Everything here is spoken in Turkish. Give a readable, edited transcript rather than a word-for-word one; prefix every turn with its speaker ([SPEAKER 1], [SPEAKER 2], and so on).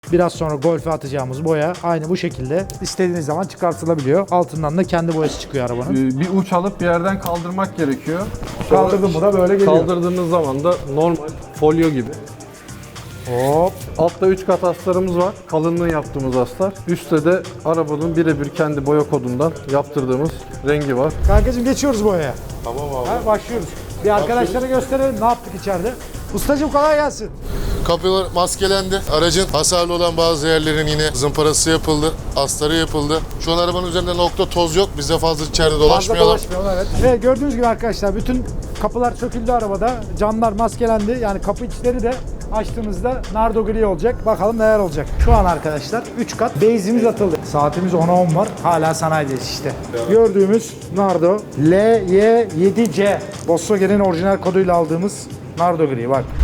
[SPEAKER 1] Biraz sonra Golf'e atacağımız boya aynı bu şekilde istediğiniz zaman çıkartılabiliyor. Altından da kendi boyası çıkıyor arabanın.
[SPEAKER 2] Bir uç alıp bir yerden kaldırmak gerekiyor.
[SPEAKER 1] Kaldırdım mı da böyle geliyor.
[SPEAKER 2] Kaldırdığınız zaman da normal folyo gibi.
[SPEAKER 1] Hop.
[SPEAKER 2] Altta 3 kat astarımız var. Kalınlığı yaptığımız astar. Üstte de arabanın birebir kendi boya kodundan yaptırdığımız rengi var.
[SPEAKER 1] Kankacığım geçiyoruz boyaya.
[SPEAKER 3] Tamam abi.
[SPEAKER 1] Ha, başlıyoruz. Bir arkadaşlara gösterelim ne yaptık içeride. Ustacığım kolay gelsin.
[SPEAKER 3] Kapılar maskelendi. Aracın hasarlı olan bazı yerlerin yine zımparası yapıldı. Astarı yapıldı. Şu an arabanın üzerinde nokta toz yok. Biz de fazla içeride dolaşmayalım.
[SPEAKER 1] Evet. Evet, gördüğünüz gibi arkadaşlar bütün kapılar söküldü arabada. Camlar maskelendi. Yani kapı içleri de açtığımızda nardo gri olacak. Bakalım neler olacak. Şu an arkadaşlar 3 kat base'imiz atıldı. Saatimiz 10'a 10 var. Hala sanayideyiz işte. Gördüğümüz nardo LY7C. Volkswagen'in orijinal koduyla aldığımız nardo gri. Bak